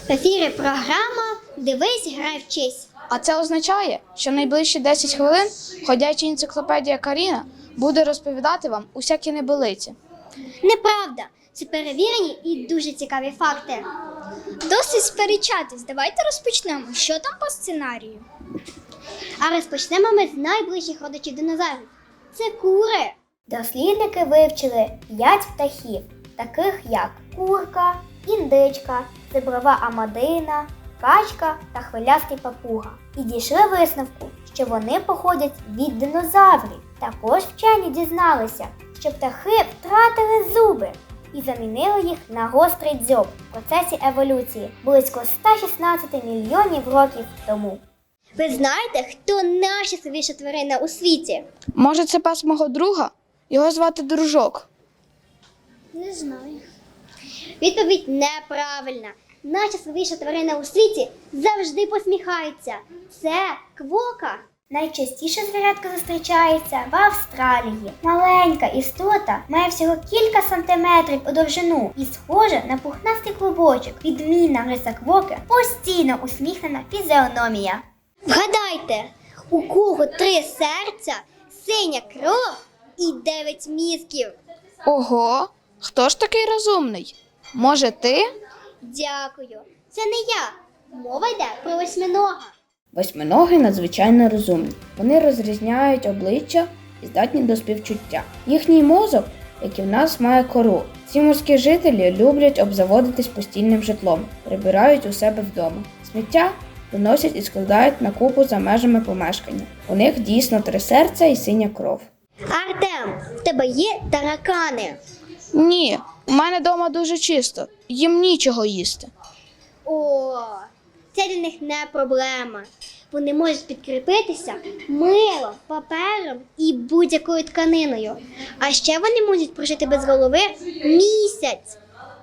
В ефірі програма «Дивись, грай, вчись». А це означає, що найближчі 10 хвилин ходяча енциклопедія Каріна буде розповідати вам усякі небилиці. Неправда, це перевірені і дуже цікаві факти. Досить сперечатись, давайте розпочнемо. Що там по сценарію? А розпочнемо ми з найближчих родичів динозаврів. Це кури. Дослідники вивчили 5 птахів, таких як курка, індичка, зеброва амадина, качка та хвилястий папуга. І дійшли висновку, що вони походять від динозаврів. Також вчені дізналися, що птахи втратили зуби і замінили їх на гострий дзьоб в процесі еволюції близько 116 мільйонів років тому. Ви знаєте, хто найщасливіша тварина у світі? Може, це пес мого друга? Його звати Дружок. Не знаю. Відповідь неправильна. Найщасливіша тварина у світі завжди посміхається. Це квока. Найчастіше звірятко зустрічається в Австралії. Маленька істота має всього кілька сантиметрів у довжину і схожа на пухнастий клубочок. Відмінна риса квоки – постійно усміхнена фізіономія. Вгадайте, у кого 3 серця, синя кров і 9 мізків? Ого, хто ж такий розумний? Може, ти? Дякую. Це не я. Мова йде про восьминога. Восьминоги надзвичайно розумні. Вони розрізняють обличчя і здатні до співчуття. Їхній мозок, як і в нас, має кору. Ці морські жителі люблять обзаводитись постільним житлом, прибирають у себе вдома. Сміття виносять і складають на купу за межами помешкання. У них дійсно 3 серця і синя кров. Артем, в тебе є таракани? Ні, у мене вдома дуже чисто, їм нічого їсти. О, це для них не проблема. Вони можуть підкріпитися милом, папером і будь-якою тканиною. А ще вони можуть прожити без голови місяць.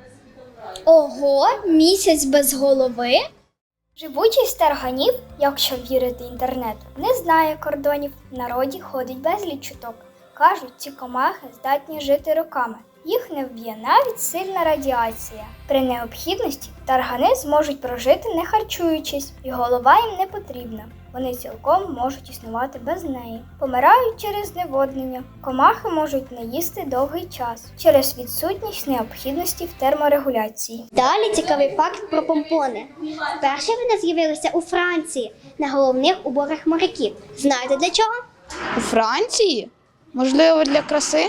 Ого, місяць без голови? Живучість тарганів, якщо вірити інтернету, не знає кордонів. В народі ходить безліч чуток. Кажуть, ці комахи здатні жити роками. Їх не вб'є навіть сильна радіація. При необхідності таргани зможуть прожити не харчуючись, і голова їм не потрібна. Вони цілком можуть існувати без неї. Помирають через зневоднення. Комахи можуть не їсти довгий час через відсутність необхідності в терморегуляції. Далі цікавий факт про помпони. Вперше вони з'явилися у Франції на головних уборах моряків. Знаєте для чого? У Франції? Можливо, для краси?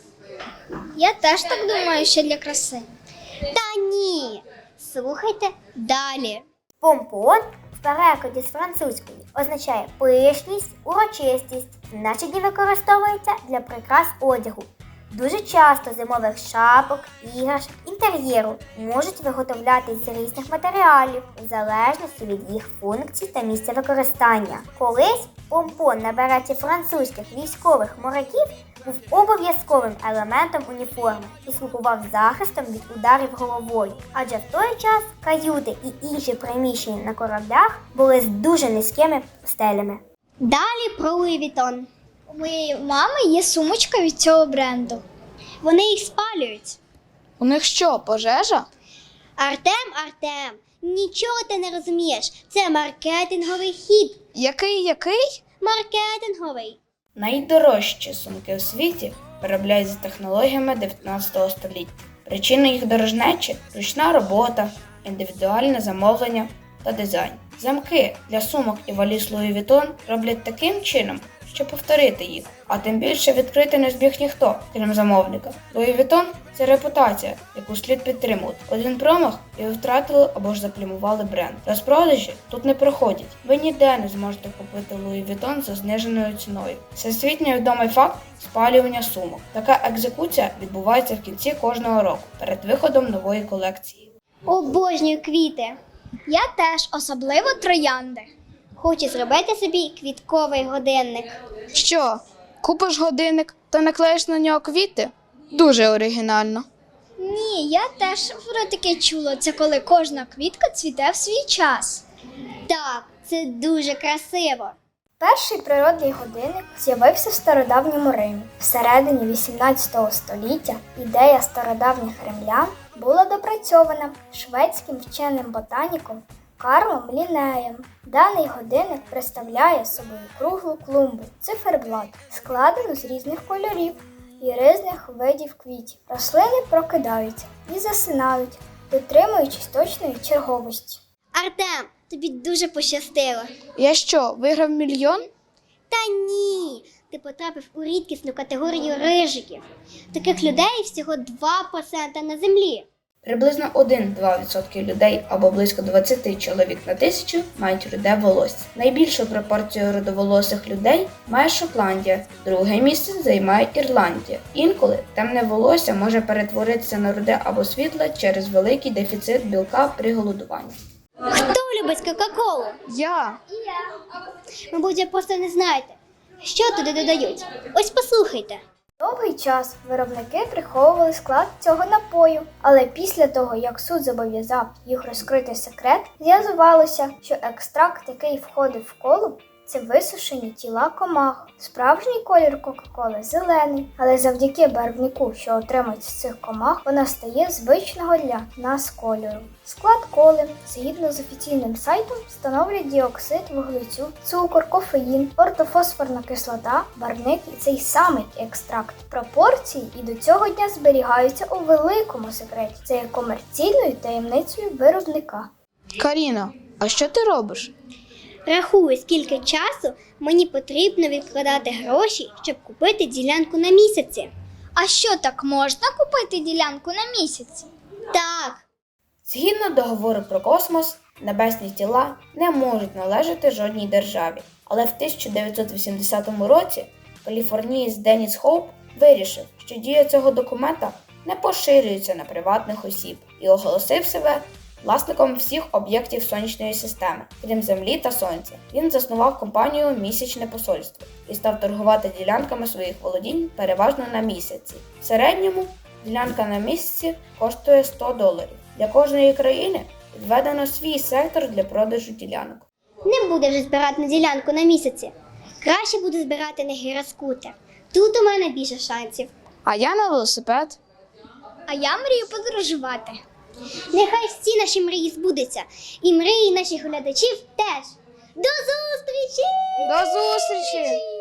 Я теж так думаю, що для краси. Та ні. Слухайте далі. Помпон в перекладі з французької означає пишність, урочистість. Значить, він використовується для прикрас одягу. Дуже часто зимових шапок, іграшок, інтер'єру можуть виготовлятись з різних матеріалів, в залежності від їх функцій та місця використання. Колись помпон на береті французьких військових моряків був обов'язковим елементом уніформи і слугував захистом від ударів головою. Адже в той час каюти і інші приміщення на кораблях були з дуже низькими стелями. Далі про Луї Вітон. У моєї мами є сумочка від цього бренду. Вони їх спалюють. У них що, пожежа? Артем, нічого ти не розумієш. Це маркетинговий хід. Який? Маркетинговий. Найдорожчі сумки у світі виробляють за технологіями 19 століття. Причина їх дорожнечі – ручна робота, індивідуальне замовлення та дизайн. Замки для сумок і валіз Луї Вітон роблять таким чином, щоб повторити їх, а тим більше відкрити не зміг ніхто, крім замовника. Луї Вітон – це репутація, яку слід підтримувати. Один промах і ви втратили або ж заплямували бренд. Розпродажі тут не проходять. Ви ніде не зможете купити Луї Вітон за зниженою ціною. Всесвітньо відомий факт – спалювання сумок. Така екзекуція відбувається в кінці кожного року, перед виходом нової колекції. Обожнюю квіти. Я теж, особливо троянди. Хочу зробити собі квітковий годинник. Що, купиш годинник та наклеїш на нього квіти? Дуже оригінально. Ні, я теж про таке чула. Це коли кожна квітка цвіте в свій час. Так, це дуже красиво. Перший природний годинник з'явився в стародавньому Римі. Всередині 18 століття ідея стародавніх римлян була допрацьована шведським вченим-ботаніком Карлом Ліннеєм. Даний годинник представляє собою круглу клумбу, циферблат, складену з різних кольорів і різних видів квітів. Рослини прокидаються і засинають, дотримуючись точної черговості. Артем, тобі дуже пощастило. Я що, виграв мільйон? Та ні, ти потрапив у рідкісну категорію рижиків. Таких людей всього 2% на землі. Приблизно 1-2% людей або близько 20 чоловік на 1000 мають руде волосся. Найбільшу пропорцію рудоволосих людей має Шотландія, друге місце займає Ірландія. Інколи темне волосся може перетворитися на руде або світле через великий дефіцит білка при голодуванні. Хто любить Кока-Колу? Я. Мабуть, ви просто не знаєте, що туди додають. Ось послухайте. Довгий час виробники приховували склад цього напою, але після того, як суд зобов'язав їх розкрити секрет, з'ясувалося, що екстракт, який входив в колу, це висушені тіла комах. Справжній колір Кока-Коли зелений, але завдяки барвнику, що отримують з цих комах, вона стає звичного для нас кольору. Склад коли, згідно з офіційним сайтом, становлять діоксид вуглецю, цукор, кофеїн, ортофосфорна кислота, барвник і цей самий екстракт. Пропорції і до цього дня зберігаються у великому секреті. Це є комерційною таємницею виробника. Каріна, а що ти робиш? Рахую, скільки часу мені потрібно відкладати гроші, щоб купити ділянку на місяці. А що, так можна купити ділянку на місяць? Так. Згідно договору про космос, небесні тіла не можуть належати жодній державі. Але в 1980 році каліфорнієць Деніс Хоуп вирішив, що дія цього документа не поширюється на приватних осіб і оголосив себе власником всіх об'єктів сонячної системи, крім Землі та Сонця. Він заснував компанію «Місячне посольство» і став торгувати ділянками своїх володінь переважно на місяці. В середньому ділянка на місяці коштує $100. Для кожної країни відведено свій сектор для продажу ділянок. Не буде вже збирати на ділянку на місяці. Краще буду збирати на гіроскутер. Тут у мене більше шансів. А я на велосипед. А я мрію подорожувати. Нехай всі наші мрії збудуться. І мрії наших глядачів теж. До зустрічі! До зустрічі!